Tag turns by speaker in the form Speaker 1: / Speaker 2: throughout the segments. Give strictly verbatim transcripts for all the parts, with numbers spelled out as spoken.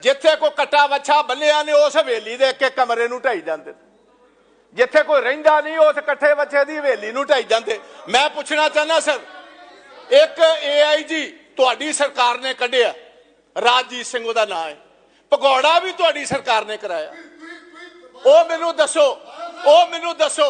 Speaker 1: जिथे कोई कट्टा वच्छा बल्लिया ने उस हवेली दे एक कमरे नूं ढाई जांदे, जिथे कोई रहिंदा नहीं उस कट्ठे वच्छे दी हवेली नूं ढाई जांदे। मैं पुछना चाहना सर, एक ए आई जी तुहाडी सरकार ने कढ़िया, राजजीत सिंह उहदा नाम है, भगौड़ा भी तुहाडी सरकार ने कराया। ओ मैनू दसो, ओ मैनू दसो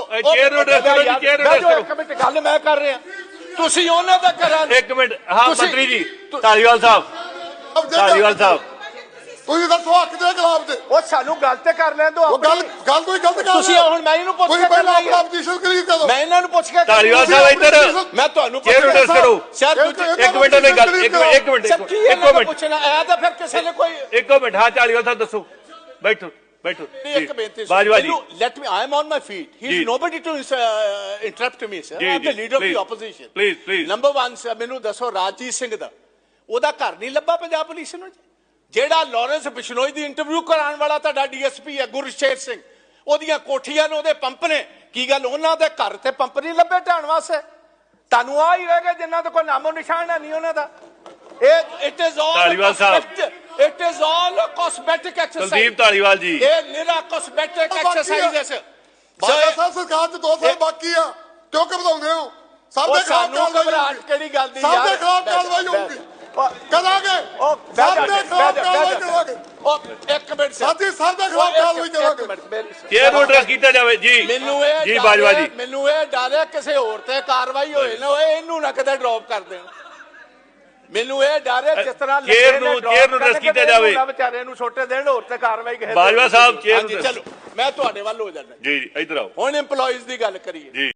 Speaker 1: एक मिनट गल मैं कर रहा, तुसीं उहनां दा करा
Speaker 2: एक मिनट। हाँ मंत्री जी धालीवाल साहब, धालीवाल साहब
Speaker 3: ਤੁਸੀਂ ਦੱਸੋ ਹੱਕ ਦੇ ਖਿਲਾਫ ਦੇ
Speaker 1: ਉਹ ਸਾਨੂੰ ਗੱਲ ਤੇ ਕਰ ਲੈਣ ਦਿਓ।
Speaker 3: ਉਹ ਗੱਲ ਗੱਲ ਕੋਈ ਗਲਤ ਕਰ
Speaker 1: ਤੁਸੀਂ ਹੁਣ ਮੈਂ ਇਹਨੂੰ ਪੁੱਛ ਕੇ
Speaker 3: ਪਹਿਲਾਂ ਆਪਣਾ ਪੋਜੀਸ਼ਨ ਕਲੀਅਰ ਕਰੋ।
Speaker 1: ਮੈਂ ਇਹਨਾਂ ਨੂੰ ਪੁੱਛ ਕੇ
Speaker 2: ਧਾਲੀਵਾਲ ਸਾਹਿਬ ਇੱਧਰ
Speaker 1: ਮੈਂ ਤੁਹਾਨੂੰ
Speaker 2: ਚੇਅਰ ਨੂੰ ਟੈਸਟ ਕਰੋ।
Speaker 1: ਸਰ
Speaker 2: ਇੱਕ ਮਿੰਟ ਦੀ ਗੱਲ, ਇੱਕ ਮਿੰਟ ਇੱਕ ਮਿੰਟ ਇੱਕ ਮਿੰਟ
Speaker 1: ਪੁੱਛਣਾ ਆਇਆ ਤਾਂ ਫਿਰ ਕਿਸੇ ਨੇ ਕੋਈ
Speaker 2: ਇੱਕ ਮਿੰਟ। ਹਾਂ ਧਾਲੀਵਾਲ ਸਾਹਿਬ ਦੱਸੋ, ਬੈਠੋ ਬੈਠੋ।
Speaker 1: ਇੱਕ ਬੇਨਤੀ
Speaker 2: Bajwa ji,
Speaker 1: let me I am on my feet, he is nobody to interrupt me sir, I am the leader of the opposition.
Speaker 2: Please please
Speaker 1: number ਇੱਕ ਸਰ ਮੈਨੂੰ ਦੱਸੋ, ਰਾਜਜੀਤ ਸਿੰਘ ਦਾ ਉਹਦਾ ਘਰ ਨਹੀਂ ਲੱਭਾ ਪੰਜਾਬ ਪੁਲਿਸ ਨੂੰ? ਜਿਹੜਾ ਲਾਰੈਂਸ ਬਿਸ਼ਨੋਈ ਦੀ ਇੰਟਰਵਿਊ ਕਰਾਉਣ ਵਾਲਾ ਤੁਹਾਡਾ ਡੀ ਐਸ ਪੀ ਹੈ ਗੁਰਸ਼ੇਰ ਸਿੰਘ, ਉਹਦੀਆਂ ਕੋਠੀਆਂ ਨੇ, ਉਹਦੇ ਪੰਪ ਨੇ, ਕੀ ਗੱਲ ਉਹਨਾਂ ਦੇ ਘਰ ਤੇ ਪੰਪ ਨਹੀਂ ਲੱਭੇ ਢਾਣ ਵਾਸਤੇ? ਤੁਹਾਨੂੰ ਆ ਹੀ ਹੋਏਗਾ ਜਿਨ੍ਹਾਂ ਦਾ ਕੋਈ ਨਾਮੋ ਨਿਸ਼ਾਨ ਹੈ ਨਹੀਂ ਉਹਨਾਂ ਦਾ। ਇਹ it is all
Speaker 2: Dhaliwal sahib,
Speaker 1: it is all cosmetic exercise.
Speaker 2: Kuldeep Dhaliwal ji,
Speaker 1: ਇਹ ਨਿਰਾ ਕਾਸਮੈਟਿਕ ਐਕਸਰਸਾਈਜ਼ ਹੈ ਸਰ।
Speaker 3: ਬਾਜਵਾ ਸਾਹਿਬ ਸਰਕਾਰ ਚ ਦੋ ਸਾਲ ਬਾਕੀ ਆ, ਕਿਉਂ ਘਬਰਾਉਂਦੇ ਹੋ? ਸਭ ਦੇ ਖਿਲਾਫ ਕਾਰਵਾਈ
Speaker 1: ਘਬਰਾਹਟ ਕਿਹੜੀ ਗੱਲ ਦੀ ਯਾਰ?
Speaker 3: ਸਭ ਦੇ ਖਿਲਾਫ ਕਾਰਵਾਈ ਹੋਊਗੀ, ਕਰਾਂਗੇ। ਸਭ ਦੇ ਖਿਲਾਫ ਕਾਰਵਾਈ ਕਰਾਂਗੇ।
Speaker 1: ਉਹ ਇੱਕ ਮਿੰਟ ਸਰ,
Speaker 3: ਸਾਡੀ ਸਭ ਦੇ ਖਿਲਾਫ ਕਾਰਵਾਈ ਕਰਾਂਗੇ।
Speaker 2: ਚੇਅਰ ਨੂੰ ਐਡਰੈਸ ਕੀਤਾ ਜਾਵੇ ਜੀ।
Speaker 1: ਮੈਨੂੰ ਇਹ
Speaker 2: ਜੀ ਬਾਜਵਾ ਜੀ,
Speaker 1: ਮੈਨੂੰ ਇਹ ਡਰ ਹੈ ਕਿਸੇ ਹੋਰ ਤੇ ਕਾਰਵਾਈ ਹੋਏ ਨਾ ਹੋਏ, ਇਹਨੂੰ ਨਾ ਕਦੇ ਡ੍ਰੌਪ ਕਰ ਦੇਣ। ਮੈਨੂੰ ਇਹ ਡਰ ਹੈ ਜਿਸ ਤਰ੍ਹਾਂ
Speaker 2: ਚੇਅਰ ਨੂੰ ਚੇਅਰ ਨੂੰ ਐਡਰੈਸ ਕੀਤਾ ਜਾਵੇ,
Speaker 1: ਵਿਚਾਰੇ ਨੂੰ ਛੋਟੇ ਦੇਣ ਹੋਰ ਤੇ ਕਾਰਵਾਈ ਕਿਸੇ।
Speaker 2: ਬਾਜਵਾ ਸਾਹਿਬ ਚੇਅਰ ਨੂੰ।
Speaker 1: ਚਲੋ ਮੈਂ ਤੁਹਾਡੇ ਵੱਲ ਹੋ ਜਾਣਾ
Speaker 2: ਜੀ ਇੱਧਰ ਆਓ।
Speaker 1: ਹੁਣ EMPLOYEES ਦੀ ਗੱਲ ਕਰੀਏ।